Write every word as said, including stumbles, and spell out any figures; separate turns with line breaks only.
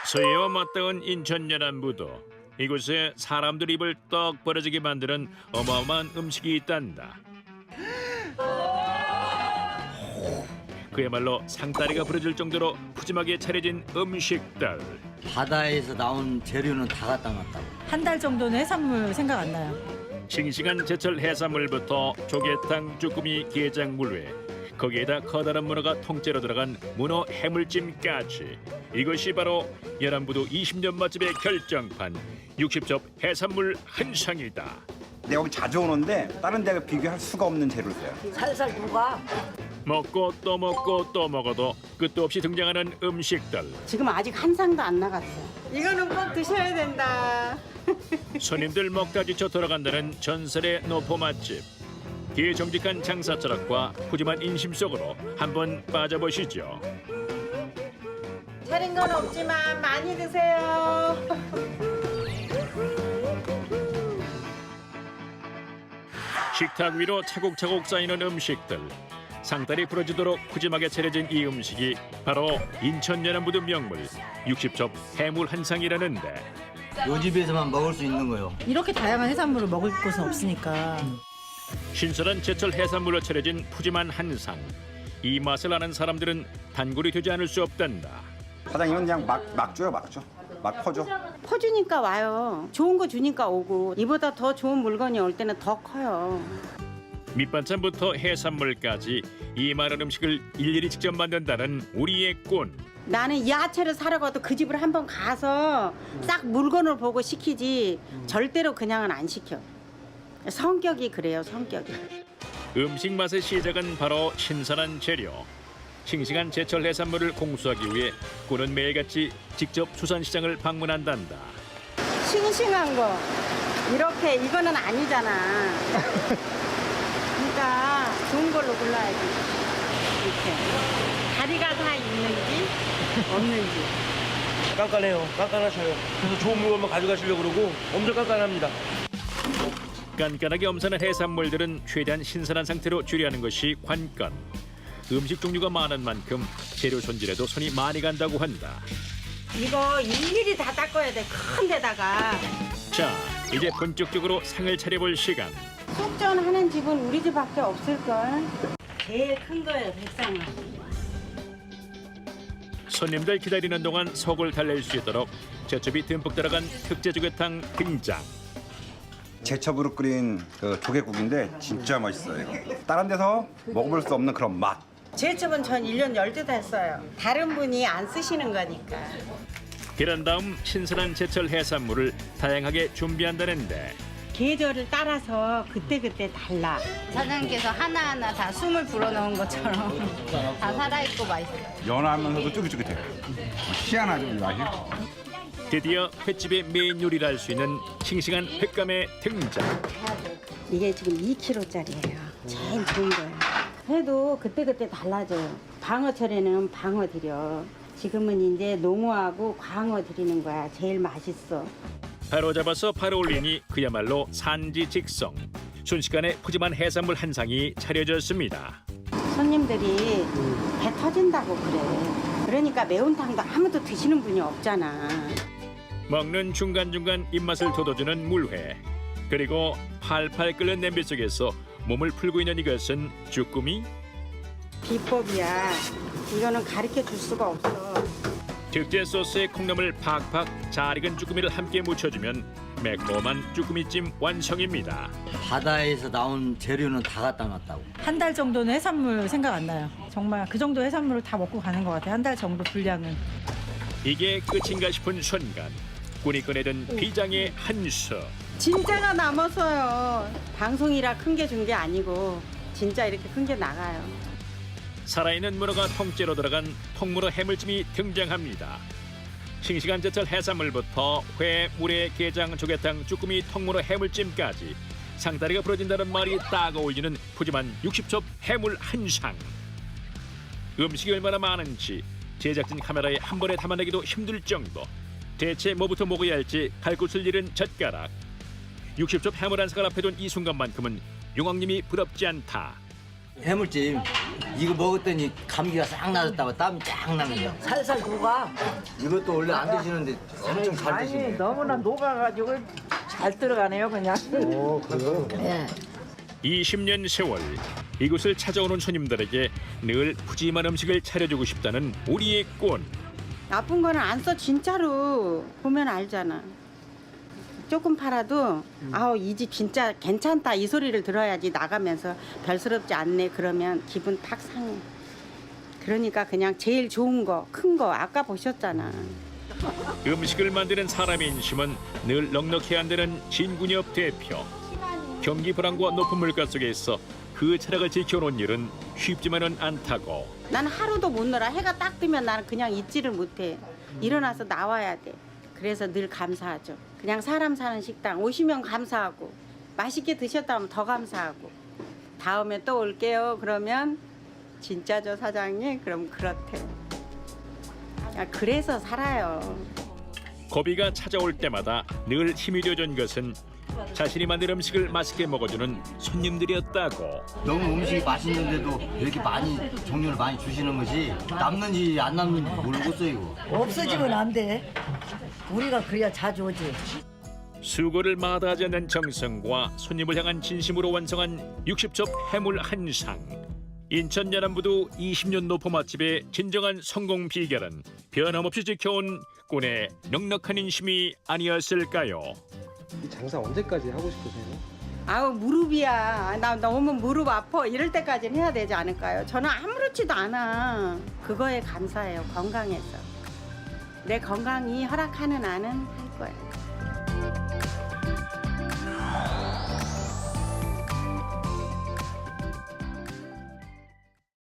서해와 맞닿은 인천 연안부도 이곳에 사람들 입을 떡 벌어지게 만드는 어마어마한 음식이 있단다. 그야말로 상다리가 부러질 정도로 푸짐하게 차려진 음식들.
바다에서 나온 재료는 다 갖다 놨다고.
한 달 정도는 해산물 생각 안 나요.
싱싱한 제철 해산물부터 조개탕, 쭈꾸미, 게장, 물회, 거기에다 커다란 문어가 통째로 들어간 문어 해물찜까지. 이것이 바로 연안부도 이십 년 맛집의 결정판 육십 첩 해산물 한상이다.
내가 여기 자주 오는데 다른 데가 비교할 수가 없는 재료를 써요.
살살 녹아.
먹고 또 먹고 또 먹어도 끝도 없이 등장하는 음식들.
지금 아직 한 상도 안 나갔어요. 이거는 꼭 드셔야 된다.
손님들 먹다 지쳐 돌아간다는 전설의 노포 맛집. 기정직한 장사 철학과 푸짐한 인심 속으로 한번 빠져보시죠.
차린 건 없지만 많이 드세요.
식탁 위로 차곡차곡 쌓이는 음식들. 상다리 부러지도록 푸짐하게 차려진 이 음식이 바로 인천 연안부두 명물 육십 첩 해물 한상이라는데,
요 집에서만 먹을 수 있는 거요.
이렇게 다양한 해산물을 먹을 곳은 없으니까.
신선한 제철 해산물로 차려진 푸짐한 한상. 이 맛을 아는 사람들은 단골이 되지 않을 수 없단다.
사장님은 그냥 막, 막 줘요, 막 줘. 막 퍼줘.
퍼주니까 와요. 좋은 거 주니까 오고 이보다 더 좋은 물건이 올 때는 더 커요.
밑반찬부터 해산물까지 이 많은 음식을 일일이 직접 만든다는 우리의 꾼.
나는 야채를 사러 가도 그 집을 한번 가서 싹 물건을 보고 시키지 절대로 그냥은 안 시켜. 성격이 그래요, 성격이.
음식 맛의 시작은 바로 신선한 재료. 싱싱한 제철 해산물을 공수하기 위해 꾼은 매일같이 직접 수산시장을 방문한단다.
싱싱한 거 이렇게 이거는 아니잖아. 그러니까 좋은 걸로 골라야지. 이렇게 다리가 다 있는지 없는지.
깐깐해요. 깐깐하셔요. 그래서 좋은 물건만 가져가시려고 그러고 엄청 깐깐합니다.
깐깐하게 엄선한 해산물들은 최대한 신선한 상태로 조리하는 것이 관건. 음식 종류가 많은 만큼 재료 손질에도 손이 많이 간다고 한다.
이거 일일이 다 닦아야 돼. 큰 데다가.
자, 이제 본격적으로 상을 차려볼 시간.
속전 하는 집은 우리 집밖에 없을걸. 제일 큰 거예요, 백상은.
손님들 기다리는 동안 속을 달랠 수 있도록 제첩이 듬뿍 들어간 특제 조개탕 등장.
제첩으로 끓인 그 조개국인데 진짜 맛있어요. 이거. 다른 데서 먹어볼 수 없는 그런 맛.
제첩은 전 일 년 열두 했어요. 다른 분이 안 쓰시는 거니까.
그런 다음 신선한 제철 해산물을 다양하게 준비한다는데,
계절을 따라서 그때그때 달라.
사장님께서 하나하나 다 숨을 불어넣은 것처럼 다 살아있고 맛있어요.
연하면서도 쫄깃쫄깃해요. 희한하죠, 이 맛이.
드디어 횟집의 메인 요리를 할 수 있는 싱싱한 횟감의 등장.
이게 지금 이 킬로짜리예요. 제일 좋은 거예요. 해도 그때그때 달라져요. 방어철에는 방어 드려. 지금은 이제 농어하고 광어 드리는 거야. 제일 맛있어.
바로 잡아서 바로 올리니 그야말로 산지 직송. 순식간에 푸짐한 해산물 한 상이 차려졌습니다.
손님들이 배 터진다고 그래. 그러니까 매운탕도 아무도 드시는 분이 없잖아.
먹는 중간중간 입맛을 돋워주는 물회. 그리고 팔팔 끓는 냄비 속에서 몸을 풀고 있는 이것은 쭈꾸미.
비법이야. 이거는 가르쳐 줄 수가 없어.
특제 소스에 콩나물 팍팍 잘 익은 쭈꾸미를 함께 묻혀주면 매콤한 쭈꾸미찜 완성입니다.
바다에서 나온 재료는 다 갖다 놨다고.
한 달 정도는 해산물 생각 안 나요. 정말 그 정도 해산물을 다 먹고 가는 것 같아요. 한 달 정도 분량은.
이게 끝인가 싶은 순간 꾼이 꺼내든 비장의 한 수.
진짜가 남았어요. 방송이라 큰 게 준 게 아니고 진짜 이렇게 큰 게 나가요.
살아있는 문어가 통째로 들어간 통문어 해물찜이 등장합니다. 싱싱한 제철 해산물부터 회, 물회, 게장, 조개탕, 쭈꾸미, 통문어 해물찜까지 상다리가 부러진다는 말이 딱 어울리는 푸짐한 육십 첩 해물 한상. 음식이 얼마나 많은지 제작진 카메라에 한 번에 담아내기도 힘들 정도. 대체 뭐부터 먹어야 할지 갈 곳을 잃은 젓가락. 육십 첩 해물 한상을 앞에 둔 이 순간만큼은 용왕님이 부럽지 않다.
해물찜 이거 먹었더니 감기가 싹 나졌다고 땀이 쫙 나면서
살살 녹아.
이것도 원래 안 드시는데 엄청 잘
아니
드시네.
너무나 녹아가지고 잘 들어가네요 그냥. 예.
이십 년 세월 이곳을 찾아오는 손님들에게 늘 푸짐한 음식을 차려주고 싶다는 우리의 꾼.
나쁜 거는 안 써 진짜로 보면 알잖아. 조금 팔아도 아우 이 집 진짜 괜찮다 이 소리를 들어야지 나가면서 별스럽지 않네 그러면 기분 팍 상해. 그러니까 그냥 제일 좋은 거, 큰 거 아까 보셨잖아.
음식을 만드는 사람의 인심은 늘 넉넉히 한다는 진군엽 대표. 경기 불황과 높은 물가 속에서 그 철학을 지켜놓은 일은 쉽지만은 않다고.
난 하루도 못 놀아. 해가 딱 뜨면 나는 그냥 있지를 못해. 일어나서 나와야 돼. 그래서 늘 감사하죠. 그냥 사람 사는 식당 오시면 감사하고 맛있게 드셨다면 더 감사하고 다음에 또 올게요. 그러면 진짜죠 사장님? 그럼 그렇대. 아, 그래서 살아요.
고비가 찾아올 때마다 늘 힘이 되어준 것은 자신이 만든 음식을 맛있게 먹어주는 손님들이었다고.
너무 음식이 맛있는데도 이렇게 많이 종류를 많이 주시는 것이 남는지 안 남는지 모르겠어요 이거.
없어지면 안 돼. 우리가 그래야 자주 오지.
수고를 마다하지 않는 정성과 손님을 향한 진심으로 완성한 육십 첩 해물 한 상. 인천 연안부두 이십 년 노포 맛집의 진정한 성공 비결은 변함없이 지켜온 꾼의 넉넉한 인심이 아니었을까요?
이 장사 언제까지 하고 싶으세요?
아우 무릎이야. 나 너무 무릎 아파. 이럴 때까지는 해야 되지 않을까요? 저는 아무렇지도 않아. 그거에 감사해요. 건강해서. 내 건강이 허락하는 한은 할 거야.